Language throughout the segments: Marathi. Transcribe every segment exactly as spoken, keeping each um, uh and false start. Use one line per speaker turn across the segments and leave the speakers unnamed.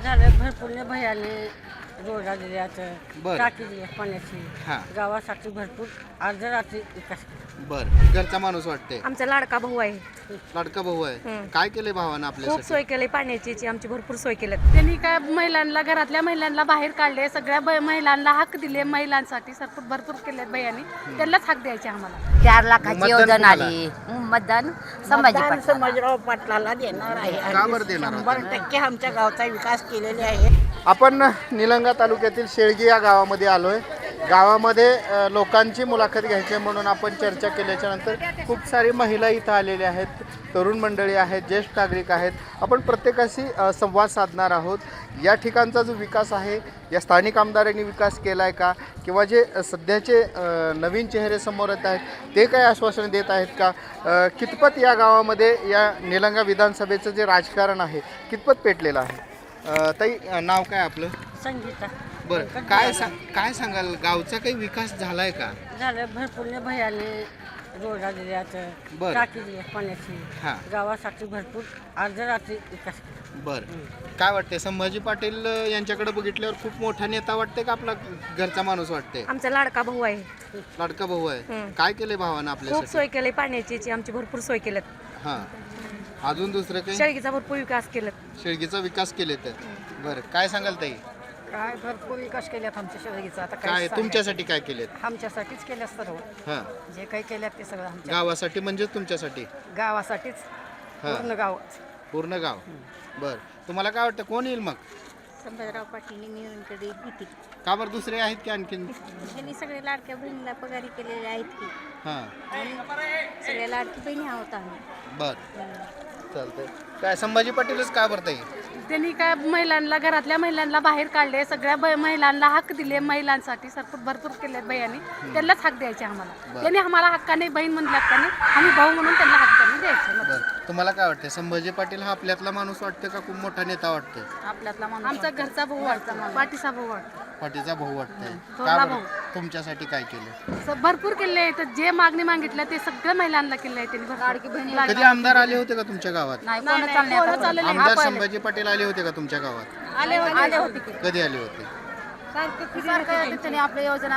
झालं भरपूर भयाने रोडा दिल्याचं
बरं.
टाकी दिली पाण्याची
हां.
गावासाठी भरपूर अर्ध रात्री विकास केला.
बर घरचा माणूस वाटते,
आमचा लाडका भाऊ आहे.
लाडका भाऊ आहे.
हं.
काय केले भावानं
खूप
आपल्यासाठी?
सोय केली पाण्याची ची आमची भरपूर सोय केली.
त्यांनी काय महिलांना घरातल्या महिलांना बाहेर काढले, सगळ्या ब- महिलांना हक दिले, महिलांसाठी सरपूर भरपूर केले भैयानी, त्यांनाच हक द्यायचे आम्हाला.
चार लाखाची
मतदान
योजना
कोणाला?
आली. मतदान संभाजी
मतदान
पाटला.
संभाजीराव पाटलाला देणार आहे
का बरं देणार
शंभर
होता?
टक्के आमच्या गावचा विकास केलेले आहे.
आपण निलंगा तालुक्यातील शेळगी या गावामध्ये आलोय. गावामध्ये अ, लोकांची मुलाखत घ्यायची आहे म्हणून आपण चर्चा केल्याच्या नंतर खूप सारी महिला इथं आलेल्या आहेत, तरुण मंडळी आहेत, ज्येष्ठ नागरिक आहेत. आपण प्रत्येकाशी अ, संवाद साधणार आहोत. या ठिकाणचा जो विकास आहे, या स्थानिक आमदारांनी विकास केला आहे का, किंवा जे अ, सध्याचे अ, नवीन चेहरे समोर येत आहेत ते काय आश्वासन देत आहेत का, अ, कितपत या गावामध्ये या निलंगा विधानसभेचं जे राजकारण आहे कितपत पेटलेलं आहे. अ, ताई अ, नाव काय आपलं?
संगीता
बरं, काय सांग काय सांगाल, गावचा काही विकास झालाय का?
झालं भरपूर भयाने रोडा दिल्याचं
बरं.
टाकी दिली पाण्याची
हां.
गावासाठी भरपूर अर्ध रात्री विकास केला.
बरं, काय वाटते संभाजी पाटील अ, यांच्याकडे बघितल्यावर खूप मोठा नेता वाटते का आपला घरचा माणूस वाटते?
आमचा लाडका भाऊ आहे.
लाडका भाऊ आहे.
हं.
काय केले भावानं
खूप
आपल्यासाठी?
सोय केली पाण्याची ची आमची भरपूर सोय केली.
हां, अजून दुसरं काही?
शेळगीचा भरपूर विकास केला.
शेळगीचा विकास केले तर. बरं, काय सांगाल ताई?
काय भरपूर विकास केल्यात आमच्या शेळगीचा. आता
काय तुमच्यासाठी काय केलेत?
आमच्यासाठीच केल्या सर्व
हां,
जे काही केल्यात ते सगळं आमच्या
गावासाठी म्हणजे तुमच्यासाठी?
गावासाठीच
हां.
पूर्ण गाव.
पूर्ण गाव. बरं, तुम्हाला काय वाटतं कोण येईल मग?
संभाजीराव पाटील निवडणुकीकडे येतील.
का बरं, दुसरे आहेत की आणखीन?
त्यांनी सगळे लाडक्या बहिणीला पगारी केलेले आहेत की
हां,
आणि सगळ्या लाडकी बहिणी आहोत आम्ही.
बरं, चालतंय. काय संभाजी पाटीलच का बरं ताई?
त्यांनी काय महिलांना घरातल्या महिलांना बाहेर काढले, सगळ्या ब- महिलांना हक दिले, महिलांसाठी सरपूर भरपूर केले भैयानी, त्यांनाच हक द्यायचे आम्हाला. त्यांनी आम्हाला हक्काने बहीण म्हणल्यात त्यांनी, आम्ही भाऊ म्हणून त्यांना हक्काने द्यायचे.
बरं, तुम्हाला काय वाटतं संभाजी पाटील हा आपल्यातला माणूस वाटतो का खूप मोठा नेता वाटतोय?
आपल्यातला माणूस, आमचा घरचा भाऊ वाटतो, पाठीचा भाऊ वाटतो.
पाटीचा भाऊ वाटतंय.
थोरला
का
भाऊ.
बरं, तुमच्यासाठी काय केलं?
स- भरपूर केले, तर जे मागणी मागितलं ते सगळं महिलांना केलं आहे त्यांनी. लाडकी बहिणी
कधी आमदार आले होते का तुमच्या गावात? आमदार संभाजी पाटील आले होते का तुमच्या गावात?
आले आले होते की
कधी आले होते?
सारखं आपल्या योजना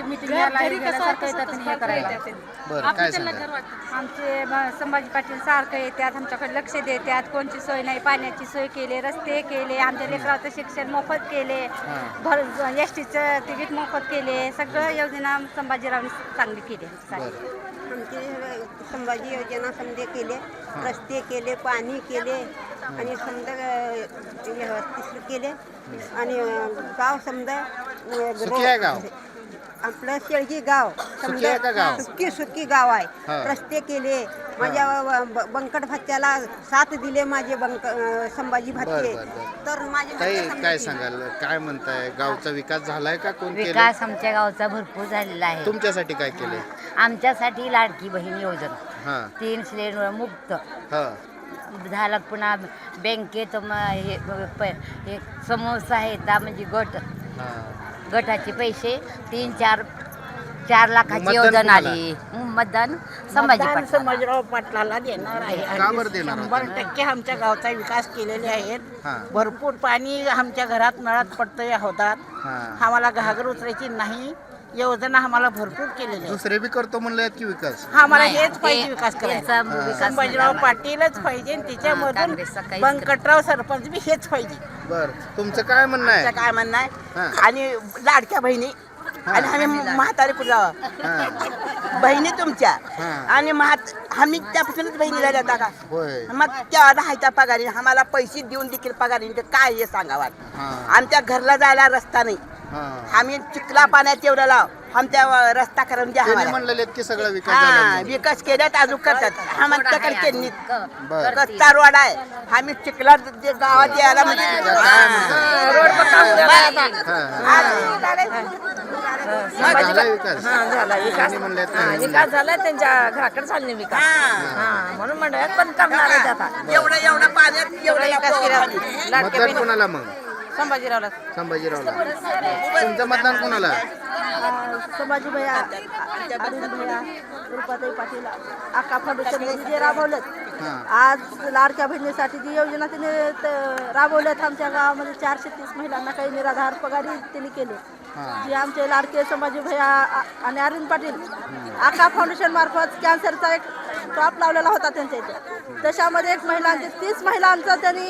बरं, काय सांगा?
आमचे ब- संभाजी पाटील सारखं येतात, आमच्याकडे लक्ष देतात. कोणची सोय नाही, पाण्याची सोय केली, रस्ते केले, आमच्या लेकराचं शिक्षण मोफत केले, भर एस टीचं तिकीट मोफत केले. सगळं योजना संभाजीरावने चांगली केली.
बरं,
आमचे संभाजी योजना समजे केले, रस्ते केले, पाणी केले आणि समजा व्यवस्थित केले आणि गाव समजा
सुखी आहे गाव?
आपलं शेळगी गाव
सुखी आहे का गाव?
सुखी सुखी गाव आहे.
हा.
रस्ते केले, माझ्या व- ब- बंकट भत्त्याला साथ दिले माझे बंक अं, संभाजी भत्ते.
बरं, बरं, बरं.
तर माझे
ताई
भत्ते समजा
काय
केले.
सांगाल, काय म्हणताय, गावचा विकास झालाय का, कोण केलं?
विकास आमच्या गावचा भरपूर झालेला आहे.
तुमच्यासाठी काय केले?
आमच्यासाठी लाडकी बहीण योजना,
हां,
तीन सिलेंडर मुक्त
हां,
झालं. पुन्हा बँकेत म- हे प- हे समोसा आहे त्या म्हणजे गट
हां.
गटाचे पैसे तीन चार चार लाखाची
मतदान
योजना
कोणाला?
आली. मतदान संभाजी
मतदान
पाटला.
संभाजीराव पाटलाला देणार आहे.
का बरं देणार होता?
शंभर टक्के आमच्या गावचा विकास केलेले आहेत.
हां.
भरपूर पाणी आमच्या घरात नळात पडतंय होतात.
हां.
आम्हाला घागर उचरायची नाही, योजना आम्हाला भरपूर केलेल्या आहेत.
दुसरे बी करतो म्हणलं की विकास?
आम्हाला
नाही,
हेच पाहिजे
ते-
विकास करायचा.
त्यांचा विकास
संभाजीराव
नाही.
पाटीलच पाहिजे आणि त्याच्यामधून
काँग्रेसचा काहीच
बंकटराव सरपंच बी हेच पाहिजे.
बर, तुमचं काय म्हणणं
आमचं
आहे?
काय म्हणणं आहे,
हां.
आणि लाडक्या बहिणी आणि आम्ही म्हातारी पुढे
हां,
बहिणी तुमच्या
हां.
आणि म्हात आम्ही त्यापासूनच बहिणी झाल्या होत्या का?
होय.
मग त्या राहायच्या पगारी आम्हाला पैसे देऊन देखील पगारी नाही, तर काय हे सांगावा.
हां,
आमच्या घरला जायला रस्ता नाही,
हां.
आम्ही चिखला पाण्यात एवढं लाव आमच्या रस्ता करून द्या
त्यांनी
आम्हाला.
म्हणलेले की सगळा विकास
हा,
झाला म्हणून.
विकास केल्यात अजून करतात. आमच्याकडे त्यांनी
बरं.
रस्ता रोड आहे, आम्ही चिखला जे गावात यायला म्हणजे
काय
रोड
हां, झाला विकास?
झाला
त्यांनी म्हणले त्यांनी
विकास झाला त्यांच्या घराकडे चालणे विकास. हा, म्हणून म्हणत पण करणार आहेत आता. एवढं एवढं पाण्यात एवढा विकास केला.
मतदान कोणाला मग?
संभाजीरावला
संभाजीरावला. तुमचं मतदान कोणाला?
संभाजी भैया, अरुण भैया, रुपाताई पाटील, आका फाउंडेशन जे राबवलं
आज लाडक्या बहिणीसाठी जी योजना तिने त- राबवल्यात आमच्या गावामध्ये चारशे तीस महिलांना काही निराधार पगारी तिने केले. जे आमचे लाडके संभाजी भैया आ- आणि अरविंद पाटील आका फाउंडेशन मार्फत कॅन्सरचा एक स्टॉप लावलेला होता त्यांच्या इथे. त्याच्यामध्ये एक महिलांचे तीस महिलांचं त्यांनी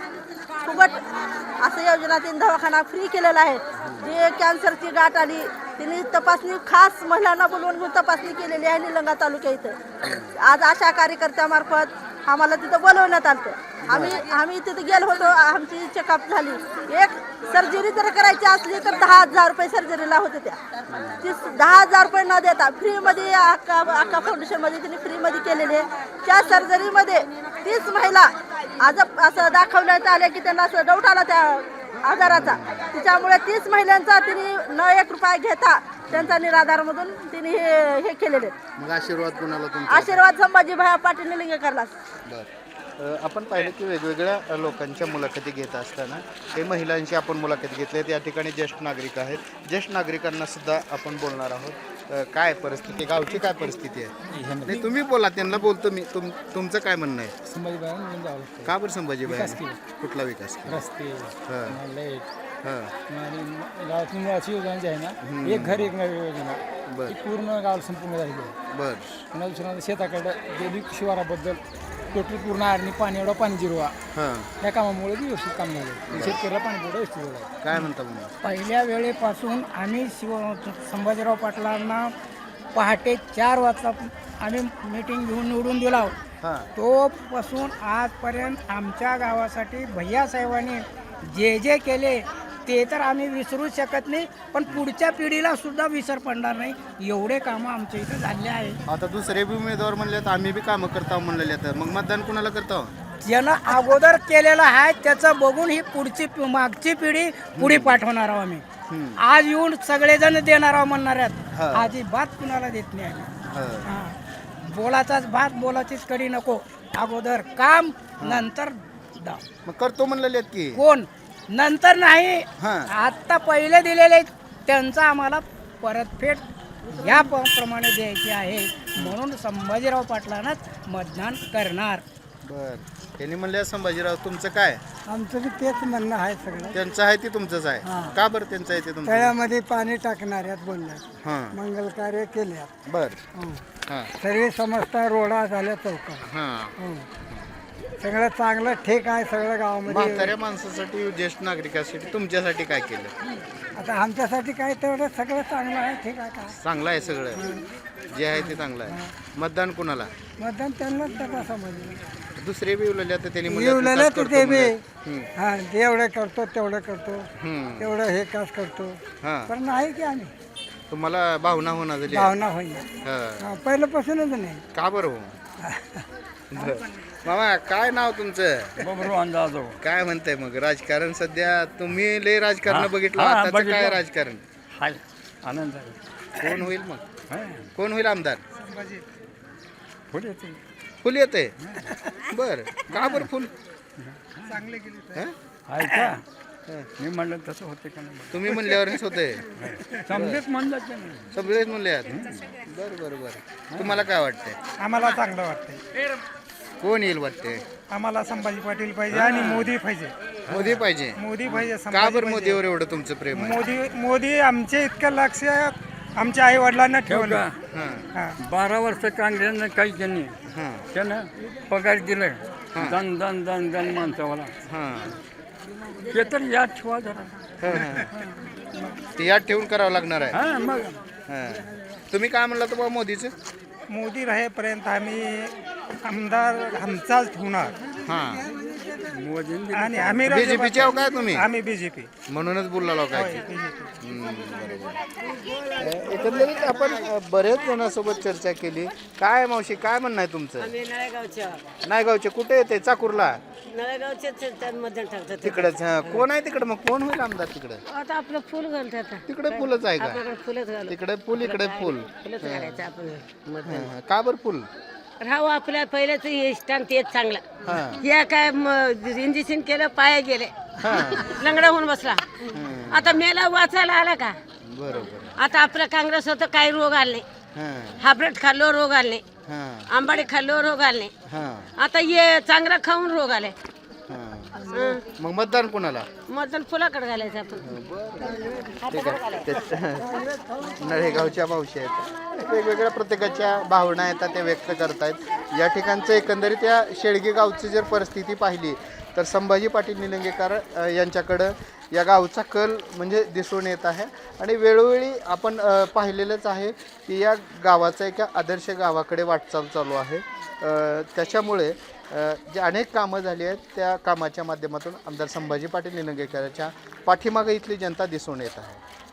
फुकट असं योजना तीन दवाखाना फ्री केलेला आहे. जे कॅन्सरची गाठ आली तिने तपासणी खास महिलांना बोलवून घेऊन तपासणी केलेली आहे निलंगा तालुक्या इथं. आज आशा कार्यकर्त्यामार्फत आम्हाला तिथं बोलवण्यात आलं. आम्ही आम्ही तिथे गेलो होतो. आमची चेकअप झाली. एक सर्जरी जर करायची असली तर दहा हजार रुपये सर्जरीला होते. त्या ती दहा हजार रुपये न देता फ्रीमध्ये अक्का अक्का फाउंडेशनमध्ये तिने फ्रीमध्ये केलेली आहे. त्या सर्जरीमध्ये तीस महिला आज असं दाखवण्यात आले की त्यांना असं डाऊट आला त्या आजाराचा. त्याच्यामुळे तीस महिलांचा तिने न एक रुपया घेता त्यांचा निराधारमधून तिने हे हे केलेले.
मग आशीर्वाद कुणाला तुमचा?
आशीर्वाद संभाजी भैया पाटील निलंगेकरला.
बरं. अ, आपण पाहिलं की वेगवेगळ्या लोकांच्या मुलाखती घेत असताना हे महिलांची आपण मुलाखती घेतल्या. या ठिकाणी ज्येष्ठ नागरिक आहेत. ज्येष्ठ नागरिकांना सुद्धा आपण बोलणार आहोत. अ, काय परिस्थिती, गावची काय परिस्थिती आहे? नाही तुम्ही बोला, त्यांना बोलतो मी. तुम तुमचं काय म्हणणं आहे?
संभाजी भाई
का बरं संभाजी भाई? कुठला विकास?
रस्ते
हां
लाईट
हां
आणि गावातून मुळाची योजना जी आहे ना, एक घर एक नळ योजना
बरं.
ती पूर्ण गावाला संपूर्ण झालेली आहे.
बरं
पुन्हा दुसऱ्या शेताकडं गेली शिवाराबद्दल टोटल पूर्ण आरणी पाणी एवढा पाणी जिरवा
हां
या कामामुळे बी व्यवस्थित काम झालं. शेतकऱ्याला पाणी पुरवठा व्यवस्थित झाला.
काय म्हणता मग?
पहिल्या वेळेपासून आम्ही शिव संभाजीराव पाटलांना पहाटे चार वाजता आम्ही मीटिंग घेऊन निवडून दिला.
हां
तोपासून आजपर्यंत आमच्या गावासाठी भैयासाहेबांनी जे जे केले ते तर आम्ही विसरू शकत नाही. पण पुढच्या पिढीला सुद्धा विसर पडणार नाही. एवढे कामं आमच्या इथं झाले आहे.
आता दुसरे बी उमेदवार म्हणले तर आम्ही बी कामं करतो म्हणलेले तर मग मतदान कुणाला करतो?
ज्यानं अगोदर केलेलं आहे त्याचं बघून ही पुढची मागची पिढी पुढे पाठवणार आहोत आम्ही. आज येऊन सगळेजण देणार आहोत म्हणणार आहेत. अजिबात कुणाला देत नाही आम्ही. हां. बोलाचाच भात बोलाचीच कडी नको. अगोदर काम नंतर दाव.
मग करतो म्हणलेले आहेत की
कोण नंतर नाही.
हां.
आत्ता पहिले दिलेले त्यांचा आम्हाला परतफेड या प- प्रमाणे द्यायची आहे. म्हणून संभाजीराव पाटलांनाच मतदान करणार.
बर. त्यांनी म्हणले संभाजीराव तुमचं काय?
आमचं बी तेच म्हणणं आहे सगळं.
त्यांचं आहे ते तुमचंच आहे.
हां.
का बरं त्यांचं आहे ते तुमचं?
तळ्यामध्ये पाणी टाकणाऱ्यात बोलण्यात
हां
मंगल कार्य केल्यात.
बर हां
सर्व समजता रोडा झाल्या चौका.
हां
सगळं चांगलं ठीक आहे सगळं गावामध्ये.
म्हाताऱ्या माणसासाठी, ज्येष्ठ नागरिकासाठी तुमच्यासाठी काय केलं?
आता आमच्यासाठी काय तेवढं सगळं चांगलं आहे. ठीक आहे का
चांगलं आहे सगळं. जे आहे ते चांगलं आहे. मतदान कुणाला?
मतदान त्यांनाच त्याचा समजलं.
दुसरे बी उलले तर त्यांनी म्हणले
येवलेलं
विकास
तर
करतो
ते बी
म्हणले.
हां जेवढं करतो तेवढं करतो
हम्म.
तेवढं हे कास करतो.
हां
पण नाही की आम्ही
तुम्हाला भावना होणार झाली?
भावना होईल.
हां.
हां, पहिल्यापासूनच नाही.
का बरं हो? बरं. मामा काय नाव तुमचं?
बबरू अंदाज
काय म्हणताय मग राजकारण सध्या? तुम्ही लय राजकारण बघितलं. आताचं काय राजकारण?
हाय आनंद आहे.
कोण होईल मग? कोण होईल आमदार?
पुढे येते
फुल येते. बर का बरं फुल?
चांगले गेले
हं?
आहे का? मी म्हणलं तसं होते का नाही?
तुम्ही म्हणल्यावरच होते.
समजेच म्हणलं की नाही.
सगळेच म्हणले आहेत. बरं बरं बरं. तुम्हाला काय वाटतंय?
आम्हाला चांगलं वाटतंय.
कोण येईल वाटते?
आम्हाला संभाजी पाटील पाहिजे आणि मोदी पाहिजे.
मोदी पाहिजे.
मोदी पाहिजे.
का बरं मोदीवर एवढं तुमचं प्रेम आहे?
मोदी मोदी आमचे इतकं लक्ष आमच्या आई वडिलांना ठेवलं.
हां
हां.
बारा वर्ष काँग्रेसनं काही त्यांनी
हां
त्यानं पगार दिलाय दन दन दन दन माणसावाला.
हां
ते तर याद ठेवा जरा.
हां, हां. ते याद ठेवून करावं लागणार आहे.
हां मग
हां. तुम्ही काय म्हणला तर बा मोदीचं?
मोदी राहेपर्यंत आम्ही आमदार आमचाच होणार.
हां
मोदींनी
आणि आम्ही
बीजेपीचे आहो काय तुम्ही?
आम्ही बीजेपी.
म्हणूनच बोलला काय की. हम्म, बरोबर. अ, एकंदरीत आपण अ, बरेच जणांसोबत चर्चा केली. काय मावशी काय म्हणणं आहे तुमचं?
नळेगावच्या
नायगावचे कुठे येते? चाकूरला
नळेगावचे मतदान टाकतात.
तिकडच. कोण आहे तिकडे? मग कोण होईल आमदार तिकडे?
आता आपलं फुल घालतात.
तिकडे फुलच आहे का?
आपल्याकडे फुलच घाल
तिकडे फुल इकडे फुल.
फुलच घालायचं आपण मतदान.
हां, हां. का बरं फुल?
राहू आपल्या पहिल्याच हे स्टॅन तेच चांगला.
हां
या काय इंजेक्शन केलं पाय गेले
हां
लंगडा होऊन बसला.
हं.
आता मेला वाचायला आला का?
बरोबर.
आता आपलं काँग्रेस होतं काही रोग आले
हां
हायब्रेड खाल्लो रोग आले
हां
आंबाडे खाल्ल्यावर रोग आले
हां
आता ये चांगला खाऊन रोग आले
हां मग मतदान कोणाला
मतदान फुलाकडे घालायचं आपण
ठीक आहे ते- नळेगावच्या मावशी आहेत वेगवेगळ्या प्रत्येकाच्या भावना आहेत त्या व्यक्त करतायत या ठिकाणचं एकंदरीत या शेळगे गावची जर परिस्थिती पाहिली तर संभाजी पाटील निलंगेकर अ, यांच्याकडं या गावचा कल म्हणजे दिसून येत आहे आणि वेळोवेळी आपण अ, पाहिलेलंच आहे की या गावाचा एका आदर्श गावाकडे वाटचाल चालू आहे अ, त्याच्यामुळे अ, जे अनेक कामं झाली आहेत त्या कामाच्या माध्यमातून आमदार संभाजी पाटील निलंगेकरांच्या पाठीमागे इथली जनता दिसून येत आहे.